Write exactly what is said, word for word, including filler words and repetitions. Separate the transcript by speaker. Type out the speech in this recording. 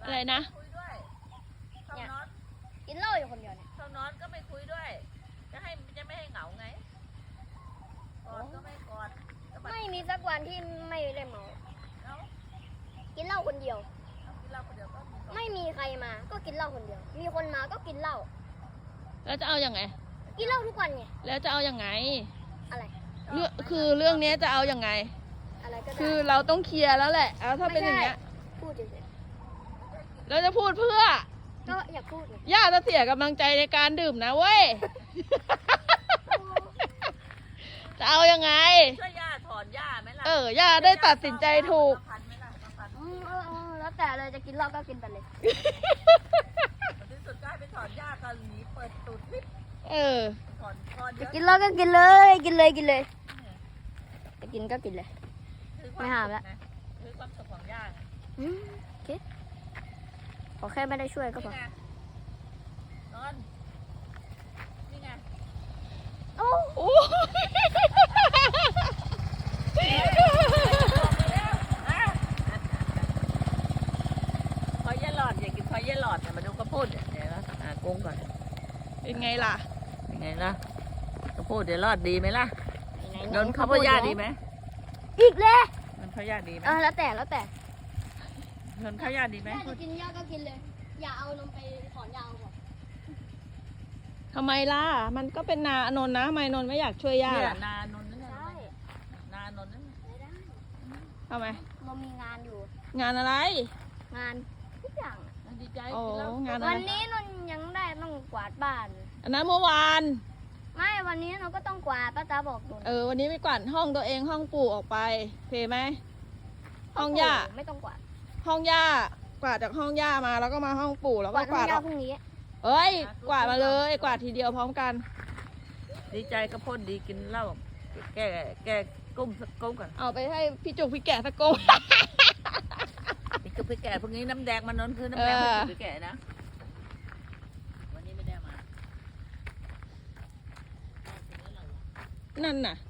Speaker 1: อะไรนะ
Speaker 2: คุยด้วยเข้านอน
Speaker 3: กินเหล้าอยู่คนเดียวเนี่ย
Speaker 2: เข้านอนก็ไม่คุยด้วยจะให้จะไม่ให้เหงาไงกอดก็ไม่กอด
Speaker 3: ไม่มีสักวันที่ไม่ได้เมา
Speaker 2: แล้ว
Speaker 3: กินเหล้าคนเดียว
Speaker 2: กินเหล้าคนเดียวก็มี
Speaker 3: ไม่มีใครมาก็กินเหล้าคนเดียว มีคนมาก็กินเหล้า
Speaker 1: แล้วจะเอาอย่างไง
Speaker 3: กินเหล้าทุกวันไง
Speaker 1: แล้วจะเอาอย่างไง
Speaker 3: อะไร
Speaker 1: เรื่องคือเรื่องนี้จะเอาอย่างไง
Speaker 3: อะไรก็ได้
Speaker 1: คือเราต้องเคลียร์แล้วแหละเอาถ้าเป็นอย่างเงี้ย
Speaker 3: พูดเฉย
Speaker 1: เราจะพูดเพื่อ
Speaker 3: ๆก็อยากพูดไง
Speaker 1: ย่าจะเสียกำลังใจในการดื่มนะเว้ย จะเอายังไง
Speaker 2: ช่วยย่าถอนย่าไหมล่ะ
Speaker 1: เออย่าได้ตัดสินใจถูก
Speaker 2: พันไหมล่ะพัน
Speaker 3: อืมเออเออแล้วแต่เลยจะกินเหล้าก็กินไปเลย
Speaker 2: ในที่สุดก็ให้ไปถอนย่ากันหนีเปิดตูดลิฟต์
Speaker 1: เออ
Speaker 2: ถอนถอนเย
Speaker 3: จะ
Speaker 2: อะ
Speaker 3: กินเหล้าก็กินเลย กินเลยกินเลยจะกินก็กินเลย
Speaker 2: คือคว
Speaker 3: ไม่ห้ามละ
Speaker 2: สุขนะคือความสุขของย่าไง
Speaker 3: อืมโอเคขอแค่ไม่ได้ช่วยก็พอ
Speaker 2: นี่ไงนอนนี่ไง
Speaker 3: โอ้
Speaker 1: โอ้
Speaker 2: พอยาหลอดอยากกินพอยาหลอดเนี่ยมาดูข้าวโพดเนี่ยเดี๋ยวเราหากุ้งก่อน
Speaker 1: เป็นไงล่ะ
Speaker 2: ยังไงล่ะข้าวโพดเดี๋ยวรอดดีไหมล่ะ
Speaker 3: ไห
Speaker 2: โดนข้าวโพดยาดีไหม
Speaker 3: อีกเลย
Speaker 2: โดนข้าวยาดีไหม
Speaker 3: เออแล้วแต่แล้วแต่
Speaker 2: โดนข้าวยาดีไหม
Speaker 3: แม่จะกินยาก็กินเลย อย่าเอานมไปถอนยาก่อน
Speaker 1: ทำไมล่ะ มันก็เป็นนาอนนท์นะทำไมอนนท์ไม่อยากช่วยย่า
Speaker 2: เนี่ย
Speaker 1: ล่ะ
Speaker 2: นานนท์นั่น
Speaker 3: ใช่
Speaker 2: นานนท์นั่น
Speaker 3: ไม่ได้
Speaker 1: ทำไม
Speaker 3: เรามีงานอยู่
Speaker 1: งานอะไร
Speaker 3: งานทุกอย่างอะ
Speaker 2: ดีใจ
Speaker 1: โอ้
Speaker 2: กินแล้ว
Speaker 1: งานอะไร
Speaker 3: วันนี้นนยังได้ต้องกวาดบ้าน
Speaker 1: อันนั้นเมื่อวาน
Speaker 3: ไม่วันนี้เราก็ต้องกวาดป้าตาบอกนน
Speaker 1: เออ วันนี้ไปกวาดห้องตัวเองห้องปู่ออกไปเพไหม ห้องย่า
Speaker 3: ไม่ต้องกวาด
Speaker 1: ห้องย่ากวาดจากห้องย่ามาแล้วก็มาห้องปู่แล้ว
Speaker 3: ก
Speaker 1: ก็
Speaker 3: วาด
Speaker 1: กวาด
Speaker 3: ห้อง
Speaker 1: อ
Speaker 3: ยา
Speaker 1: อก
Speaker 3: พรุ่งนี้
Speaker 1: เอ้ย กวาดมาเลย กวาดทีเดียวพร้อมกัน
Speaker 2: ดีใจข้าวโพดดีกินเหล้าแก้แก้กุ้มสักกุ้มก่อน
Speaker 1: เอาไปให้พี่จุกพี่แกะสักกง
Speaker 2: พี่จุกพี่แก่พวกนี้น้ำแดงมันนนคือน้ำแดง
Speaker 1: เอ
Speaker 2: พี่
Speaker 1: อ
Speaker 2: จุกพี่แก่นะวันนี้ไม่ได้มา
Speaker 1: นั่นน่ะ